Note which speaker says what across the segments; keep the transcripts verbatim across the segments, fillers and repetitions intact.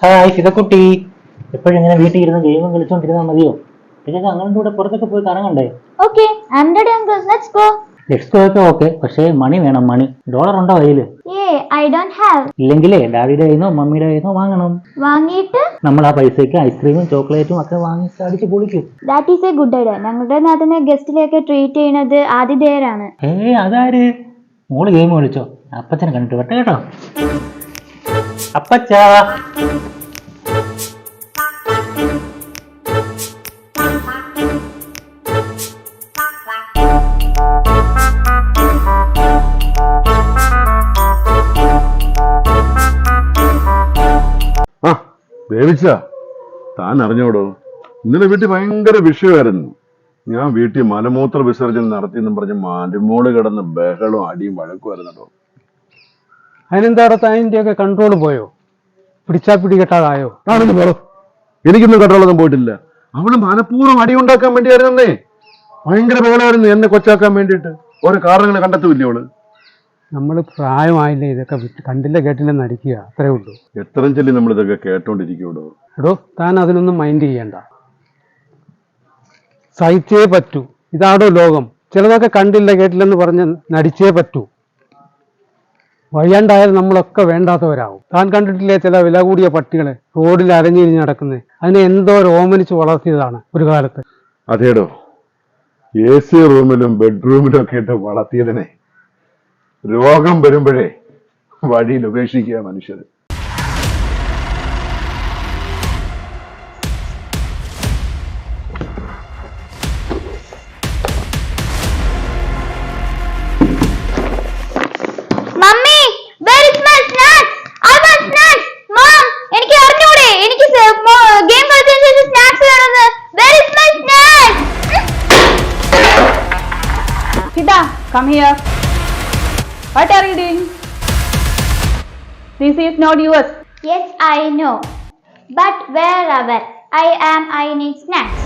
Speaker 1: Hi സിതക്കുട്ടി, എപ്പോഴും ഇങ്ങനെ വീട്ടിൽ ഇരുന്ന് ഗെയിമും കളിച്ചോണ്ടിരുന്നാൽ മതിയോ? പിന്നെ ഞങ്ങളുടെ കൂടെ പുറത്തൊക്കെ പോയി കറങ്ങണ്ടേ?
Speaker 2: Okay, I'm ready, uncle. Let's go.
Speaker 1: Next ഒക്കെ ഓക്കെ, പക്ഷേ മണി വേണം. മണി ഡോളർ ഉണ്ടോ കയ്യില്?
Speaker 2: Yeah, I don't have.
Speaker 1: ഇല്ലെങ്കിലേ ഡാഡിയുടെ കയ്യിന്നോ മമ്മിയുടെ കയ്യിന്നോ വാങ്ങണം.
Speaker 2: വാങ്ങിയിട്ട്
Speaker 1: നമ്മൾ ആ പൈസയ്ക്ക് ഐസ്ക്രീമും ചോക്ലേറ്റും ഒക്കെ വാങ്ങി അടിച്ച് പൊളിക്കും.
Speaker 2: That is a good idea. ഞങ്ങളുടെ നാട്ടിലെ ഗസ്റ്റിലേക്ക് ട്രീറ്റ് ചെയ്യുന്നത് ആതിഥേയരാണ്.
Speaker 1: ഏ അതാര്? മോള് ഗെയിം കളിച്ചോ? അപ്പച്ചനെ കണ്ടിട്ട് വട്ടെ കേട്ടോ. അപ്പച്ചാ
Speaker 3: ദേവിച്ച, താൻ അറിഞ്ഞോടോ, ഇന്നലെ വീട്ടിൽ ഭയങ്കര വിഷയമായിരുന്നു. ഞാൻ വീട്ടിൽ മലമൂത്ര വിസർജനം നടത്തിയെന്നും പറഞ്ഞ് മരുമോള് കിടന്ന് ബഹളവും അടിയും വഴക്കുമായിരുന്നോ.
Speaker 4: അതിനെന്താ താൻ്റെ ഒക്കെ കൺട്രോൾ പോയോ? പിടിച്ചാ പിടികെട്ടാതായോ?
Speaker 3: ആണെന്ന് പറ. എനിക്കൊന്നും കൺട്രോളൊന്നും പോയിട്ടില്ല. അവള് മനഃപൂർവ്വം അടി ഉണ്ടാക്കാൻ വേണ്ടിയായിരുന്നേ. ഭയങ്കര ബഹളമായിരുന്നു എന്നെ കൊച്ചാക്കാൻ വേണ്ടിയിട്ട്. ഓരോ കാരണങ്ങൾ കണ്ടെത്തൂല്ലേ അവള്.
Speaker 4: നമ്മൾ പ്രായമായില്ലേ ഇതൊക്കെ കണ്ടില്ല കേട്ടില്ലെന്ന് അടിക്കുക, അത്രേ ഉള്ളൂ.
Speaker 3: എത്രയും ചൊല്ലി നമ്മൾ ഇതൊക്കെ കേട്ടോണ്ടിരിക്കൂടോ.
Speaker 4: എടോ, താൻ അതിനൊന്നും മൈൻഡ് ചെയ്യണ്ട. സഹിച്ചേ പറ്റൂ. ഇതാടോ ലോകം. ചിലതൊക്കെ കണ്ടില്ല കേട്ടില്ലെന്ന് പറഞ്ഞ് നടിച്ചേ പറ്റൂ. വയ്യാണ്ടായാലും നമ്മളൊക്കെ വേണ്ടാത്തവരാവും. താൻ കണ്ടിട്ടില്ലേ ചില വില കൂടിയ പട്ടികളെ റോഡിൽ അരഞ്ഞിരിഞ്ഞ് നടക്കുന്നത്? അതിനെ എന്തോ ഓമനിച്ച് വളർത്തിയതാണ് ഒരു കാലത്ത്.
Speaker 3: അതേടോ, എ സി റൂമിലും ബെഡ്റൂമിലും ഒക്കെ ഇട്ട് വളർത്തിയതിനെ രോഗം വരുമ്പോഴേ വഴിയിൽ ഉപേക്ഷിക്കുക മനുഷ്യർ.
Speaker 2: Mummy, where is my snacks? I want snacks. Mom, എനിക്ക് അറിഞ്ഞൂടെ? എനിക്ക് ഗെയിം കളിച്ചതിന് ശേഷം സ്നാക്സ് വേണമെന്ന്. Where is my snacks?
Speaker 5: Sita, come here. What are you doing? This is not yours.
Speaker 2: Yes, I know. But wherever I am, I need snacks.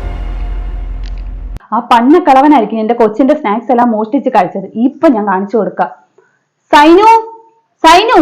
Speaker 5: ആ പന്ന കളവനായിരിക്കും എന്റെ കൊച്ചിന്റെ snacks എല്ലാം മോഷ്ടിച്ച് കഴിച്ചത്. ഇപ്പൊ ഞാൻ കാണിച്ചു കൊടുക്കാം. സൈനു, സൈനു,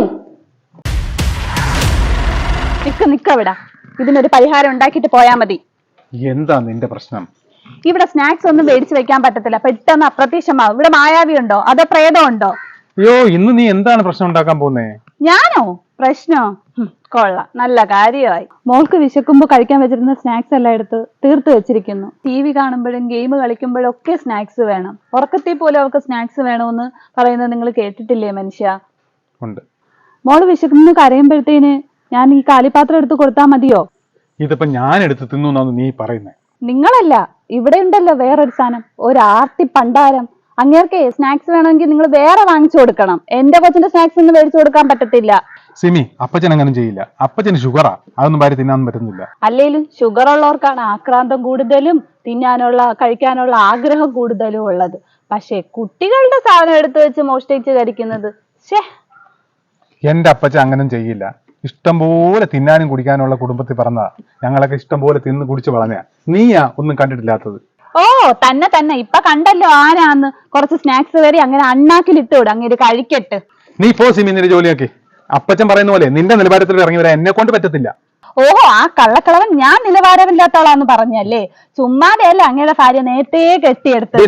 Speaker 5: നിക്ക നിക്കവിടാ. ഇതിനൊരു പരിഹാരം ഉണ്ടാക്കിയിട്ട് പോയാ മതി.
Speaker 6: എന്താ നിന്റെ പ്രശ്നം?
Speaker 5: ഇവിടെ സ്നാക്സ് ഒന്നും മേടിച്ചു വെക്കാൻ പറ്റത്തില്ല. പെട്ടെന്ന് അപ്രത്യക്ഷമാവും. ഇവിടെ മായാവി ഉണ്ടോ അതോ പ്രേതം ഉണ്ടോ?
Speaker 6: അയ്യോ, ഇന്ന് നീ എന്താണ് പ്രശ്നം ഉണ്ടാക്കാൻ പോകുന്നേ?
Speaker 5: ഞാനോ? പ്രശ്നോ? കൊള്ളാം, നല്ല കാര്യമായി. മോൾക്ക് വിശക്കുമ്പോ കഴിക്കാൻ വെച്ചിരുന്ന സ്നാക്സ് എല്ലാം എടുത്ത് തീർത്ത് വെച്ചിരിക്കുന്നു. ടി വി കാണുമ്പോഴും ഗെയിം കളിക്കുമ്പോഴും ഒക്കെ സ്നാക്സ് വേണം. ഉറക്കത്തിൽ പോലും അവർക്ക് സ്നാക്സ് വേണമെന്ന് പറയുന്നത് നിങ്ങൾ കേട്ടിട്ടില്ലേ മനുഷ്യ?
Speaker 6: ഉണ്ട്.
Speaker 5: മോള് വിശക്കുന്നു കരയുമ്പോഴത്തേന് ഞാൻ ഈ കാലിപാത്രം എടുത്ത് കൊടുത്താൽ മതിയോ?
Speaker 6: ഇതിപ്പോ ഞാൻ എടുത്ത് തിന്നു നീ പറയുന്നേ?
Speaker 5: നിങ്ങളല്ല, ഇവിടെ ഉണ്ടല്ലോ വേറൊരു സാധനം, ഒരു ആർത്തി പണ്ടാരം. അങ്ങേർക്ക് സ്നാക്സ് വേണമെങ്കിൽ നിങ്ങൾ വേറെ വാങ്ങിച്ചു കൊടുക്കണം. എന്റെ കൊച്ചിന്റെ സ്നാക്സ് ഒന്നും മേടിച്ചു കൊടുക്കാൻ പറ്റത്തില്ല.
Speaker 6: സിമി, അപ്പച്ചൻ അങ്ങനെ ചെയ്യില്ല. അപ്പച്ചന് ഷുഗറാ, അതൊന്നും ഭാര്യ തിന്നാൻ പറ്റുന്നില്ല.
Speaker 5: അല്ലേലും ഷുഗർ ഉള്ളവർക്കാണ് ആക്രാന്തം കൂടുതലും തിന്നാനുള്ള കഴിക്കാനുള്ള ആഗ്രഹം കൂടുതലും ഉള്ളത്. പക്ഷെ കുട്ടികളുടെ സാധനം എടുത്തു വെച്ച് മോഷ്ടിച്ച് കഴിക്കുന്നത് ശേ.
Speaker 6: എന്റെ അപ്പച്ചൻ അങ്ങനെ ചെയ്യില്ല. ഇഷ്ടം പോലെ തിന്നാനും കുടിക്കാനുള്ള കുടുംബത്തിൽ പറഞ്ഞതാ. ഞങ്ങളൊക്കെ ഇഷ്ടം പോലെ തിന്ന് കുടിച്ച് വളഞ്ഞാ. നീയാ ഒന്നും കണ്ടിട്ടില്ലാത്തത്.
Speaker 5: ഓ തന്നെ തന്നെ, ഇപ്പൊ കണ്ടല്ലോ ആനാന്ന്. കുറച്ച് സ്നാക്സ് വരെ അങ്ങനെ അണ്ണാക്കിലിട്ട് വിടും, അങ്ങനെ കഴിക്കട്ട്.
Speaker 6: നീ പോ സിമി, നിന്റെ ജോലിയാക്കി. അപ്പച്ചൻ പറയുന്ന പോലെ നിന്റെ നിലവാരത്തിൽ ഇറങ്ങി വരാൻ എന്നെ കൊണ്ട് പറ്റത്തില്ല.
Speaker 5: ഓഹോ, ആ കള്ളക്കളവൻ ഞാൻ നിലവാരമില്ലാത്തവളാന്ന് പറഞ്ഞല്ലേ? ചുമ്മാതെയല്ല അങ്ങയുടെ ഭാര്യ നേരത്തെ കെട്ടിയെടുത്തത്.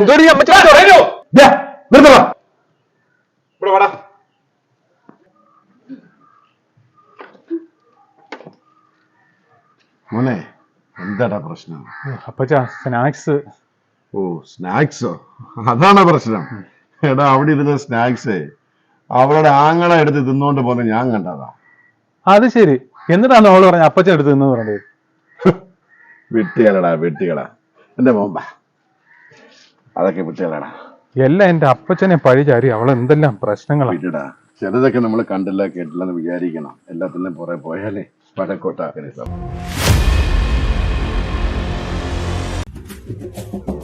Speaker 3: മോനെ, എന്താടാ പ്രശ്നം?
Speaker 6: അപ്പച്ച, സ്നാക്സ്.
Speaker 3: ഓ, സ്നാക്സോ? അതാണ് പ്രശ്നം. എടാ, അവിടെ ഇരുന്ന സ്നാക്സ് അവളുടെ ആങ്ങളെ എടുത്ത് തിന്നോണ്ട് പോകുന്നത് ഞാൻ കണ്ടതാ.
Speaker 6: അത് ശരി. എന്നിട്ടാണ് അവള് പറഞ്ഞ അപ്പച്ചൻ എടുത്ത് തിന്നു പറഞ്ഞത്?
Speaker 3: വിട്ടുകളടാ, വിട്ടുകളാ. എന്റെ മോമ്പ, അതൊക്കെ വിട്ടുകളടാ.
Speaker 6: എല്ലാം എന്റെ അപ്പച്ചനെ പഴിചാരി അവൾ എന്തെല്ലാം പ്രശ്നങ്ങളാ.
Speaker 3: വിട്ടുടാ, ചിലതൊക്കെ നമ്മൾ കണ്ടില്ല കേട്ടില്ലെന്ന് വിചാരിക്കണം. എല്ലാത്തിനും പുറകെ പോയാലേ പടക്കോട്ടാക്കരുത്.